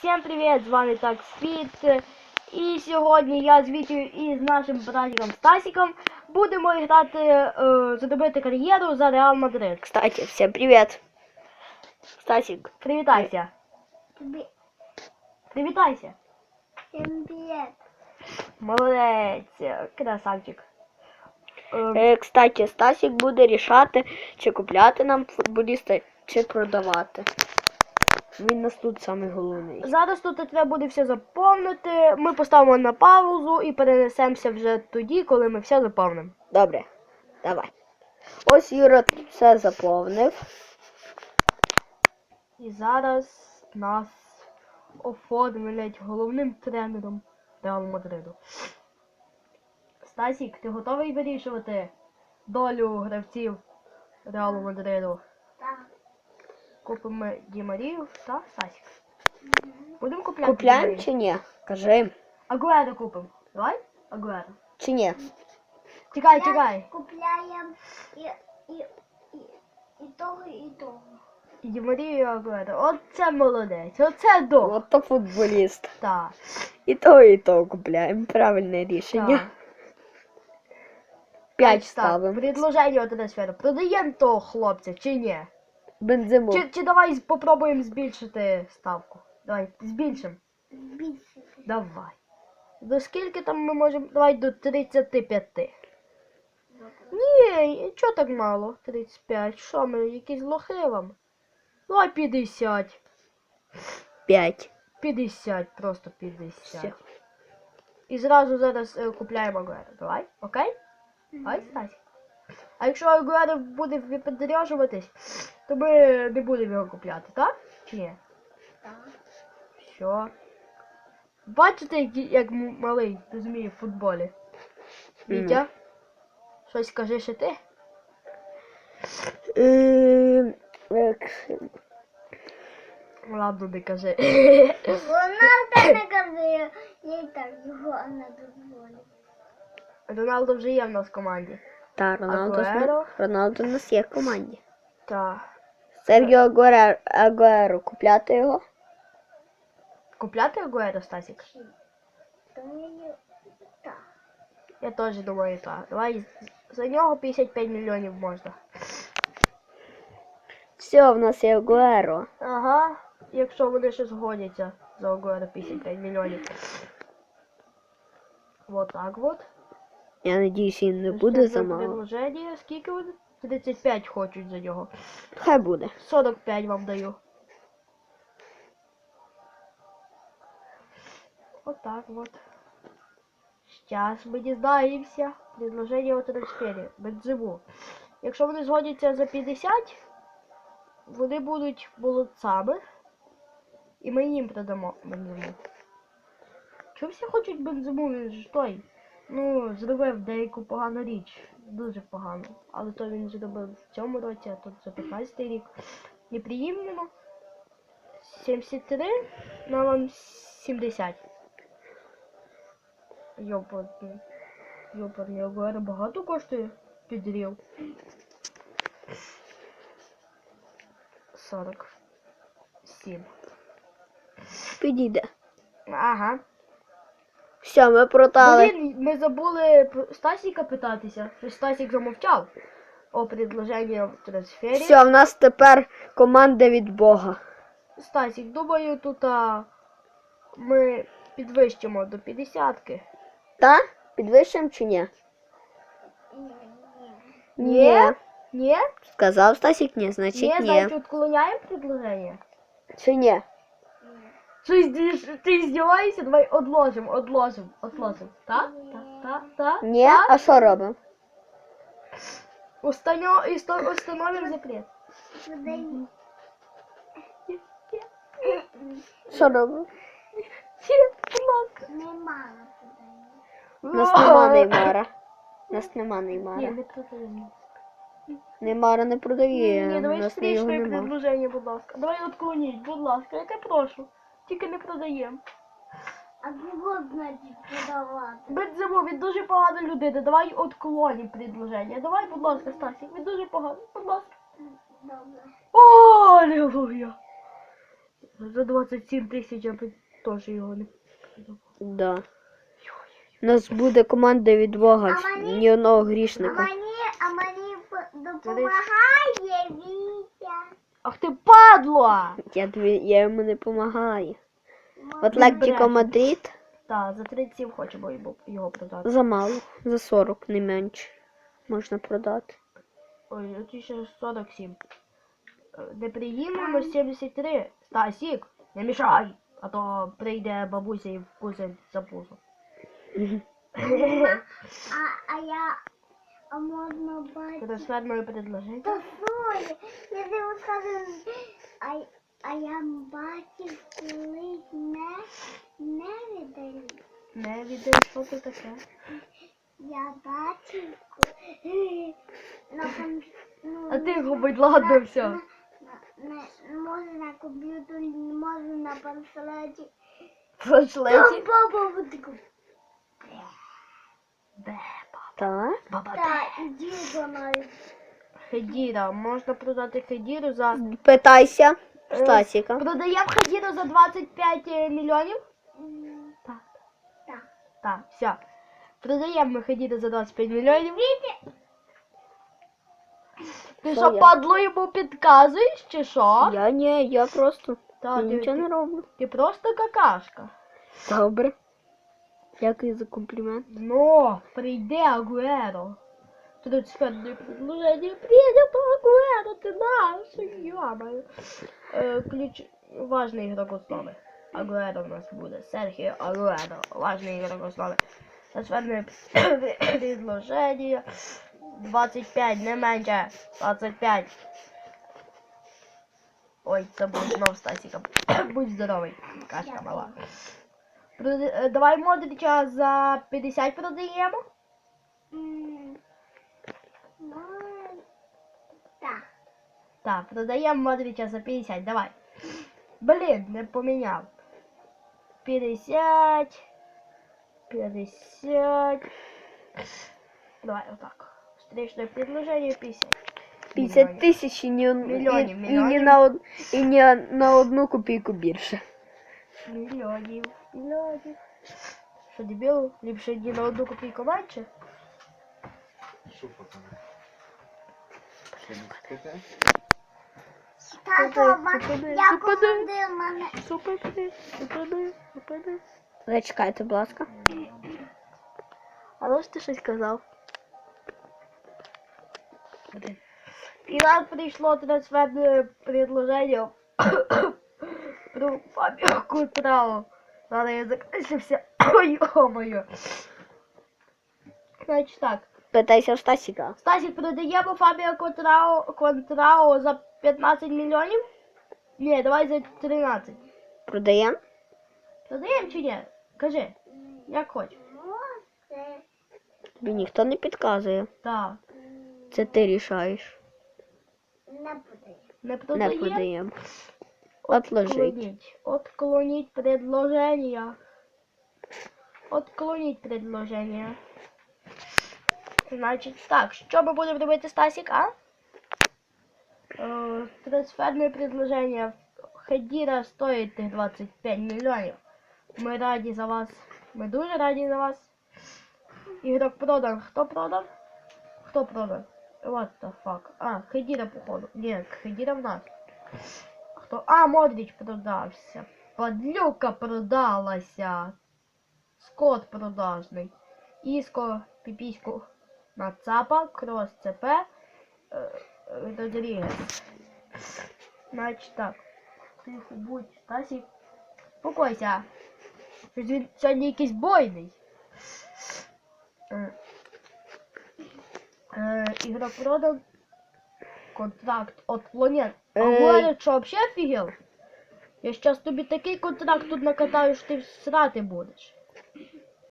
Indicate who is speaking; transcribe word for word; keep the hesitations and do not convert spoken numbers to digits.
Speaker 1: Всем привет! З вами Так Світ. І сьогодні я з Вітю і з нашим братиком Стасиком будемо грати, е, задобити кар'єру за Реал Мадрид.
Speaker 2: Кстати, всем привет. Стасик.
Speaker 1: Привітайся. Привітайся.
Speaker 3: Всем привет.
Speaker 1: Молодець, красавчик. Е,
Speaker 2: Е, кстати, Стасик буде рішати, чи купляти нам футболіста, чи продавати. Він нас тут самий головний.
Speaker 1: Зараз тут треба буде все заповнити. Ми поставимо на паузу і перенесемося вже тоді, коли ми все заповнимо.
Speaker 2: Добре, давай. Ось Юра тут все заповнив.
Speaker 1: І зараз нас оформлять головним тренером Реалу Мадриду. Стасік, ти готовий вирішувати долю гравців Реалу Мадриду?
Speaker 3: Так.
Speaker 1: Купимо Ді Марію та Стасік. Будемо купляти Ді
Speaker 2: Купляємо
Speaker 1: Марію?
Speaker 2: чи ні? Кажи.
Speaker 1: Агуеро купимо. Давай? Агуеро.
Speaker 2: Чи ні?
Speaker 1: Чекай, чекай.
Speaker 3: Купляем и, и, и, и того, и того.
Speaker 1: І Ді Марію, і Агуеро. Оце молодець. Оце до.
Speaker 2: От то футболіст.
Speaker 1: Так.
Speaker 2: І то, і то купляємо. Правильне рішення.
Speaker 1: Так.
Speaker 2: П'ять
Speaker 1: Так,
Speaker 2: ставимо.
Speaker 1: предложення от трансферу. Продаємо того хлопця чи ні?
Speaker 2: Бензиму.
Speaker 1: Чи, чи давай попробуємо збільшити ставку? Давай, збільшимо.
Speaker 3: Більше.
Speaker 1: Давай. До скільки там ми можемо? Давай до тридцяти п'яти. Ні, чого так мало? тридцять п'ять. Що ми, якісь лохи вам? Давай п'ятдесят.
Speaker 2: П'ять.
Speaker 1: п'ятдесят, просто п'ятдесят.
Speaker 2: Все.
Speaker 1: І зразу зараз е, купляємо Агуеро. Давай, окей? Давай, Стасі. А якщо Агуеро буде випендряжуватись, то ми не будемо його купляти, так? Чи ні?
Speaker 3: Так.
Speaker 1: Що? Бачите, як, як м- малий розуміє в футболі? Вітя? Щось скажи ще ти?
Speaker 2: Ем, е,
Speaker 1: Ладно, не кажи.
Speaker 3: Рональдо не казує, я і так його не дозволю.
Speaker 1: Роналдо вже є в нас в команді.
Speaker 2: Та, Роналдо, з
Speaker 1: Агуеро?
Speaker 2: нас- Роналдо у нас є в команді.
Speaker 1: Так.
Speaker 2: Сергіо Агуеро, Агуеро, купляти його?
Speaker 1: Купляти Агуеро, Стасік?
Speaker 3: То мені так.
Speaker 1: Я теж думаю, так. Давай за нього п'ятдесят п'ять мільйонів можна.
Speaker 2: Все, в нас є Агуеро.
Speaker 1: Ага. Якщо вони ще згодяться за Агуеро п'ятдесят п'ять мільйонів. Вот так вот.
Speaker 2: Я надіюсь, він не
Speaker 1: Це
Speaker 2: буде замало.
Speaker 1: предложення. Скільки вони? тридцять п'ять хочуть за нього.
Speaker 2: Хай буде.
Speaker 1: сорок п'ять вам даю. Вот так вот. Сейчас ми дізнаємося. Предложення у трансфері. Бензиму. Якщо вони згодяться за п'ятдесят, вони будуть молодцями. І ми їм продамо бензиму. Чому всі хочуть бензиму? Він ж той. Ну, зробив деяку погану річ. Дуже погано. Але то він зробив в цьому році, а тут за п'ятнадцятий рік. Неприємно. сімдесят три на вам сімдесят. Йопарний. Йопарний, Агуеро багато коштує? Підрів. сорок сім.
Speaker 2: Підійде.
Speaker 1: Ага.
Speaker 2: Все, ми продали.
Speaker 1: Блін, ми забули про Стасіка питатися. Що Стасік замовчав. О, предложення в трансфері.
Speaker 2: Все, в нас тепер команда від Бога.
Speaker 1: Стасік, думаю, тут а, ми підвищимо до п'ятдесятки.
Speaker 2: Та? Підвищимо чи ні?
Speaker 3: Ні, ні.
Speaker 1: Ні?
Speaker 2: Сказав Стасік ні, значить
Speaker 1: Ні,
Speaker 2: ні.
Speaker 1: значить відклоняємо предложення.
Speaker 2: Чи ні?
Speaker 1: Щось ти, ти здіваєшся? Давай одложимо, одложимо, одложимо. Так? Так, так, так.
Speaker 2: Ні?
Speaker 1: так.
Speaker 2: А що робимо?
Speaker 1: Установ... і сто- Установимо запрет.
Speaker 3: Подай.
Speaker 2: Що робимо?
Speaker 1: Будь ласка.
Speaker 3: Немало подай.
Speaker 2: У нас нема Неймара. У нас нема
Speaker 1: Ні,
Speaker 2: Неймара.
Speaker 1: не продаємо.
Speaker 2: Неймара не продає.
Speaker 1: Ні,
Speaker 2: У
Speaker 1: давай
Speaker 2: нас його
Speaker 1: встрічне
Speaker 2: нема.
Speaker 1: предложення, будь ласка. Давай відклоніть, будь ласка, я тебе прошу. Тільки не продаємо.
Speaker 3: А кого, значить, подавати?
Speaker 1: Бензиму, він дуже погана людина. Давай відклонім предложення. Давай, будь ласка, Стасік, він дуже поганий. Будь ласка.
Speaker 3: Добре.
Speaker 1: О, алілуя. За двадцять сім тисяч я б теж його не продав.
Speaker 2: Да. У нас буде команда від Бога,
Speaker 3: А мені-
Speaker 2: ні одного
Speaker 3: А
Speaker 2: грішника.
Speaker 3: мені, а мені п- допомагає Вітя.
Speaker 1: Ах ти падло!
Speaker 2: Я, тобі, я йому не допомагаю.
Speaker 3: Можна
Speaker 2: Атлетико Мадрид
Speaker 1: Так, за тридцять сім хочемо його- його продати.
Speaker 2: замало. За сорок, не менше. Можна продати.
Speaker 1: Ой, тут ще сорок сім. Е, Не приїмемо сімдесят три. Стасік, не мішай, а то прийде бабуся і вкусить за пузо.
Speaker 3: А, а я, а можна бачити?
Speaker 1: Трансферне предложення.
Speaker 3: Та Соня, я тобі скажу, а, а я бачив, коли не, не віддаю.
Speaker 1: Не відео, що це таке?
Speaker 3: Я бачив, коли на ком- ну,
Speaker 1: А ти його, будь ладно, все.
Speaker 3: на, на, на, може на комп'ютері, може на панселеті.
Speaker 1: Флешлеті.
Speaker 3: Баба вот таку.
Speaker 1: Де
Speaker 2: Так.
Speaker 1: баба?
Speaker 3: Та, іди до нас.
Speaker 1: Хедіра. Можна продати Хедіру за...
Speaker 2: Питайся.
Speaker 1: Е,
Speaker 2: Стасіка.
Speaker 1: Продаємо Хедіру за двадцять п'ять мільйонів?
Speaker 3: М,
Speaker 1: Так.
Speaker 3: Так.
Speaker 1: Так, все. Продаємо ми Хедіру за двадцять п'ять мільйонів. Ти
Speaker 2: Що
Speaker 1: що,
Speaker 2: я?
Speaker 1: падло йому підказуєш, чи що?
Speaker 2: Я ні, я просто
Speaker 1: Та, ти,
Speaker 2: нічого не
Speaker 1: ти,
Speaker 2: роблю.
Speaker 1: ти просто какашка.
Speaker 2: Добре. Дякую за комплімент.
Speaker 1: Но прийде Агуеро. Трансферное предложение. Приедет Агуэро, ты наш, ё-моё. Э, ключ... Важный игрок основы. Агуэро у нас будет. Серхио Агуэро. Важный игрок основы. Трансферное предложение. двадцать пять, не меньше. двадцать пять. Ой, це був знов Стасіка. Будь здоровий, кашка мала. Прода- е, Давай Модрича за п'ятдесят продаємо.
Speaker 3: М, ну, Так.
Speaker 1: Так, продаємо Модрича за п'ятдесят, давай. Блін, не поміняв. п'ятдесят. п'ятдесят. Давай, отак. Встречное предложение п'ятдесят.
Speaker 2: п'ятдесят тисяч і ні, од-
Speaker 1: Мільйонів,
Speaker 2: і, і,
Speaker 1: мільйонів.
Speaker 2: ні на, од- і ні на одну копійку більше.
Speaker 1: Мільйонів. Мільйонів. Що, дебіл? Ліпше ні на одну копійку менше?
Speaker 3: Тато, ма-
Speaker 1: Зупини,
Speaker 3: я
Speaker 1: зупини.
Speaker 3: посадив мене.
Speaker 1: Зупини, зупини, зупини.
Speaker 2: Зачекайте, будь ласка.
Speaker 1: А ну ж ти щось казав? І нам прийшло трансферне предложення про Фабіо Кутрао. Зараз я закрисився. Ой, о-моє. Значить так.
Speaker 2: Питайся в Стасіка.
Speaker 1: Стасік, продаємо Фабіо Контрао, Контрао за п'ятнадцять мільйонів? Ні, давай за тринадцять.
Speaker 2: Продаємо?
Speaker 1: Продаємо чи ні? Кажи, як хочеш.
Speaker 3: Може,
Speaker 2: Тобі ніхто не підказує.
Speaker 1: Так.
Speaker 2: Це ти рішаєш.
Speaker 3: не буде.
Speaker 1: Не
Speaker 2: Не
Speaker 1: продаємо?
Speaker 2: продаємо. Отложить.
Speaker 1: Отклонить. Отклонить предложение. Отклонить предложение. Значить, так, що ми будемо робити, Стасік, а? Е, трансферне предложення. Хедіра стоїть тих двадцять п'ять мільйонів. Ми раді за вас. Ми дуже раді за вас. Ігрок продан. Хто продан? Хто продан? What the fuck? А, Хедіра, походу. Ні, Хедіра в нас. Хто? А, Модріч продався. Падлюка продалася. Скот продажний. Іско, піпіську нацапа, крос ЦП, е, е, Родрігес. Значить так. Тихо, будь, Стасік. Спокойся. Щось він сьогодні якийсь бойний. Е, е, ігрок продан. Контракт отклонен. А
Speaker 2: Ей.
Speaker 1: говорять, що взагалі офігел? Я щас тобі такий контракт тут накатаю, що ти срати будеш.